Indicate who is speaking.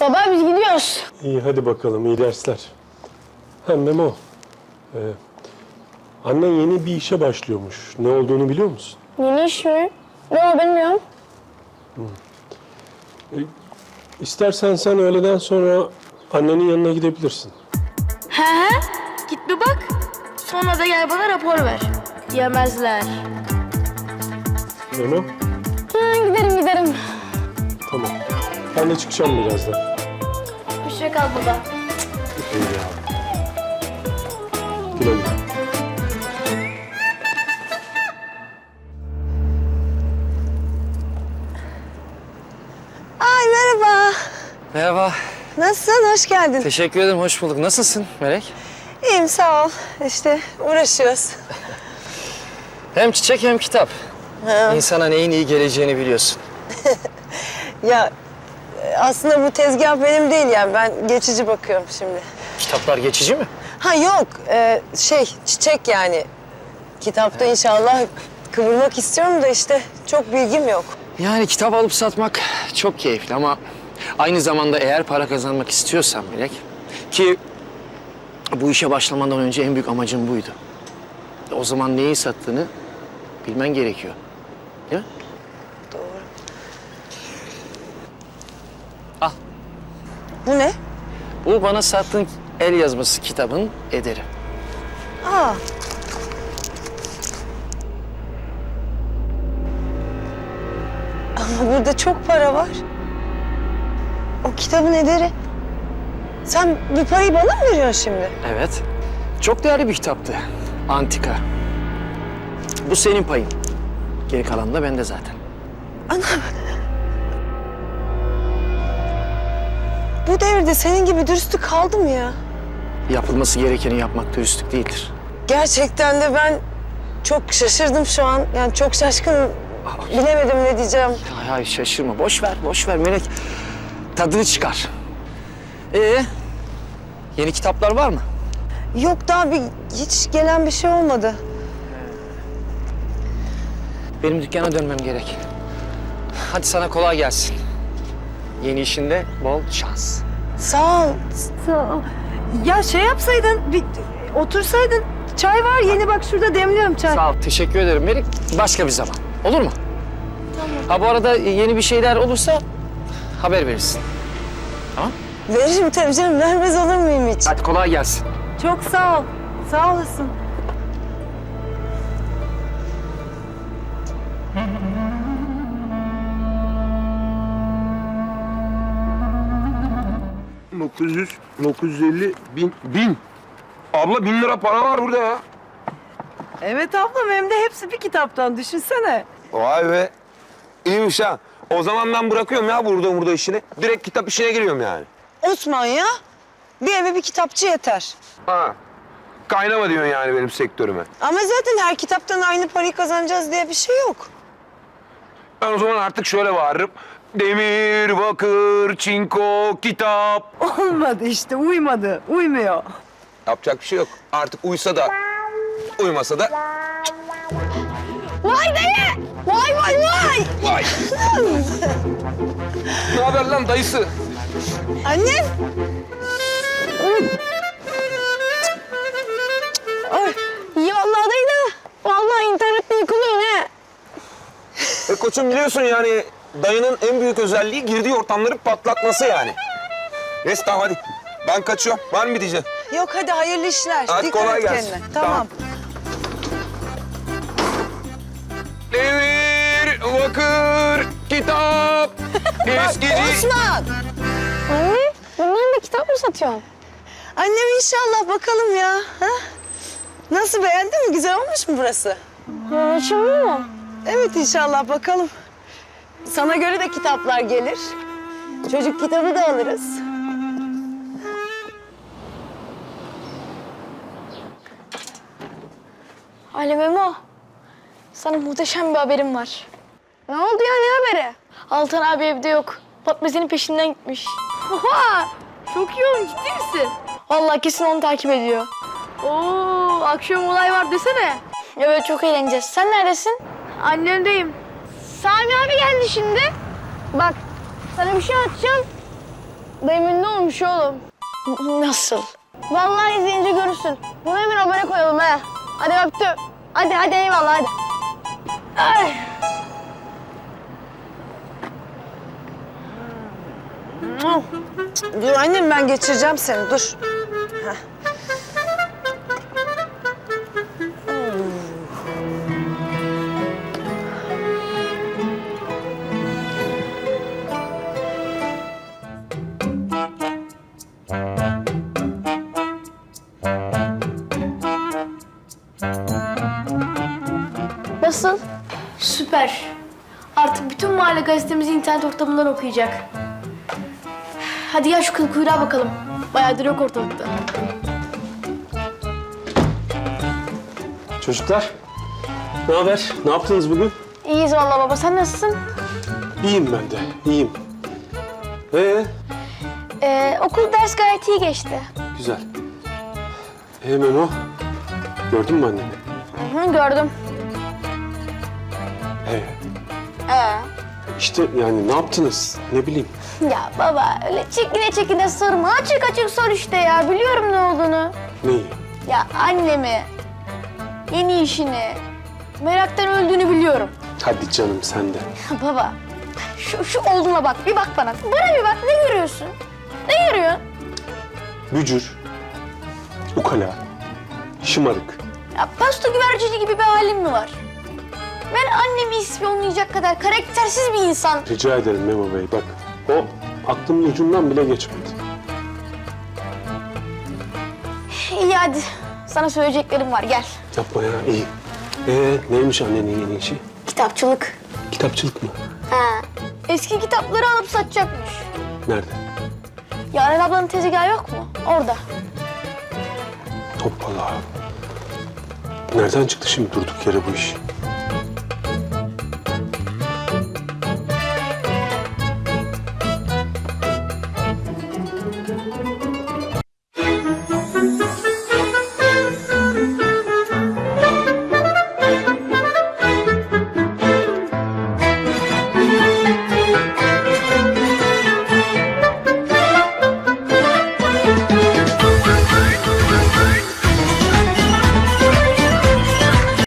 Speaker 1: Baba biz gidiyoruz.
Speaker 2: İyi hadi bakalım, iyi dersler. Hem Memo, annen yeni bir işe başlıyormuş. Ne olduğunu biliyor musun?
Speaker 1: Yeni iş mi? Yok bilmiyorum.
Speaker 2: İstersen sen öğleden sonra annenin yanına gidebilirsin.
Speaker 1: He. Git bir bak. Sonra da gel bana rapor ver. Yemezler.
Speaker 2: Memo,
Speaker 1: Giderim.
Speaker 2: tamam. Ben de çıkacağım birazdan.
Speaker 1: Hoşça kal baba.
Speaker 2: İyi ya. Güle güle.
Speaker 3: Ay merhaba.
Speaker 4: Merhaba.
Speaker 3: Nasılsın? Hoş geldin.
Speaker 4: Teşekkür ederim, hoş bulduk. Nasılsın Melek?
Speaker 3: İyiyim sağ ol. İşte uğraşıyoruz.
Speaker 4: Hem çiçek hem kitap. İnsana neyin iyi geleceğini biliyorsun.
Speaker 3: Ya aslında bu tezgah benim değil yani. Ben geçici bakıyorum şimdi.
Speaker 4: Kitaplar geçici mi?
Speaker 3: Ha yok çiçek yani. Kitapta inşallah kıvırmak istiyorum da işte çok bilgim yok.
Speaker 4: Yani kitap alıp satmak çok keyifli ama aynı zamanda eğer para kazanmak istiyorsan Melek, ki bu işe başlamadan önce en büyük amacım buydu. O zaman neyi sattığını bilmen gerekiyor. Değil mi?
Speaker 3: Doğru.
Speaker 4: Al.
Speaker 3: Bu ne?
Speaker 4: Bu bana sattığın el yazması kitabın ederi.
Speaker 3: Aa. Ama burada çok para var. O kitabın ederi. Sen bu parayı bana mı veriyorsun şimdi?
Speaker 4: Evet. Çok değerli bir kitaptı. Antika. Bu senin payın. Geri kalan da bende zaten.
Speaker 3: Bu devirde senin gibi dürüstlük kaldı mı ya?
Speaker 4: Yapılması gerekeni yapmak dürüstlük değildir.
Speaker 3: Gerçekten de ben çok şaşırdım şu an. Yani çok şaşkınım. Bilemedim ne diyeceğim.
Speaker 4: Hayır şaşırma. Boş ver Melek. Tadını çıkar. Yeni kitaplar var mı?
Speaker 3: Yok daha hiç gelen bir şey olmadı.
Speaker 4: Benim dükkana dönmem gerek. Hadi sana kolay gelsin. Yeni işinde bol şans.
Speaker 3: Sağ ol. Ya şey yapsaydın, bir otursaydın. Çay var yeni bak şurada demliyorum çay.
Speaker 4: Sağ ol. Teşekkür ederim Melek. Başka bir zaman. Olur mu? Tamam. Ha bu arada yeni bir şeyler olursa haber verirsin. Tamam?
Speaker 3: Veririm tabii canım. Vermez olur muyum hiç?
Speaker 4: Hadi kolay gelsin.
Speaker 3: Çok sağ ol. Sağ olasın.
Speaker 5: ...900, 950, 1000. Abla 1000 lira para var burada ya.
Speaker 3: Evet ablam hem de hepsi bir kitaptan düşünsene.
Speaker 5: Vay be. İyiymiş ha. O zaman ben bırakıyorum ya burada işini. Direkt kitap işine giriyorum yani.
Speaker 3: Osman ya. Bir eve bir kitapçı yeter.
Speaker 5: Ha. Kaynama diyorsun yani benim sektörüme.
Speaker 3: Ama zaten her kitaptan aynı parayı kazanacağız diye bir şey yok.
Speaker 5: Ben o zaman artık şöyle bağırırım. Demir, bakır, çinko, kitap.
Speaker 3: Olmadı işte uymadı. Uymuyor.
Speaker 5: Yapacak bir şey yok. Artık uysa da, uymasa da...
Speaker 1: Vay dayı! Vay!
Speaker 5: Vay! Ne haber lan dayısı?
Speaker 3: Annem.
Speaker 1: İyi vallahi dayı da. Vallahi internette yıkılıyor ne?
Speaker 5: Koçum biliyorsun yani dayının en büyük özelliği girdiği ortamları patlatması yani. Neyse tamam hadi. Ben kaçıyorum. Var mı bir diyeceğim?
Speaker 3: Yok hadi hayırlı işler.
Speaker 5: Hadi
Speaker 3: Dikkat
Speaker 5: kolay
Speaker 3: et
Speaker 5: gelsin.
Speaker 3: kendine.
Speaker 5: Tamam.
Speaker 3: Tamam.
Speaker 5: Demir, bakır, kitap, eskici...
Speaker 3: Osman.
Speaker 1: Anne, bunların da kitap mı satıyorsun?
Speaker 3: Annem inşallah bakalım ya. Ha? Nasıl beğendin mi? Güzel olmuş mu burası?
Speaker 1: Yaşamıyor mu?
Speaker 3: Evet inşallah bakalım. Sana göre de kitaplar gelir. Çocuk kitabı da alırız.
Speaker 1: Ali Memo, sana muhteşem bir haberim var. Ne oldu ya, ne haberi? Altan abi evde yok. Patmesinin peşinden gitmiş. Oha! Çok iyi olmuş, ciddi misin? Vallahi kesin onu takip ediyor. Oo, akşam olay var desene. Evet, çok eğleneceğiz. Sen neredesin? Annemdeyim. Sami abi geldi şimdi. Bak, sana bir şey atacağım. Dayım ünlü olmuş oğlum. Nasıl? Vallahi izleyince görürsün. Bunu hemen abone koyalım he. Hadi öptüm. Hadi eyvallah hadi. Ay.
Speaker 3: Dur annem ben geçireceğim seni dur. Heh.
Speaker 1: Nasıl? Süper. Artık bütün mahalle gazetemizi internet ortamından okuyacak. Hadi gel şu kıl kuyruğa bakalım. Bayağıdır yok ortalıkta.
Speaker 2: Çocuklar, ne haber? Ne yaptınız bugün?
Speaker 1: İyiyiz vallahi baba. Sen nasılsın?
Speaker 2: İyiyim ben de, iyiyim.
Speaker 1: Okul ders gayet iyi geçti.
Speaker 2: Güzel. Memo, gördün mü anneni?
Speaker 1: Hı, gördüm.
Speaker 2: İşte yani ne yaptınız? Ne bileyim.
Speaker 1: Ya baba öyle çekine sorma. Açık açık sor işte ya. Biliyorum ne olduğunu.
Speaker 2: Neyi?
Speaker 1: Ya annemi, yeni işini, meraktan öldüğünü biliyorum.
Speaker 2: Hadi canım sen de.
Speaker 1: Baba, şu olduğuna bak. Bir bak bana. Bana bir bak. Ne görüyorsun? Ne görüyorsun?
Speaker 2: Bücür, ukala, şımarık.
Speaker 1: Ya pasto güvercini gibi bir halin mi var? Ben annemi ispiyonlayacak kadar karaktersiz bir insan.
Speaker 2: Rica ederim Memo Bey, bak. O aklımın ucundan bile geçmedi.
Speaker 1: İyi hadi. Sana söyleyeceklerim var. Gel.
Speaker 2: Yapma ya, iyi. Neymiş annenin yeni işi?
Speaker 1: Kitapçılık.
Speaker 2: Kitapçılık mı?
Speaker 1: Ha. Eski kitapları alıp satacakmış.
Speaker 2: Nerede?
Speaker 1: Yaren ablanın tezgahı yok mu? Orada.
Speaker 2: Hoppala. Nereden çıktı şimdi durduk yere bu iş?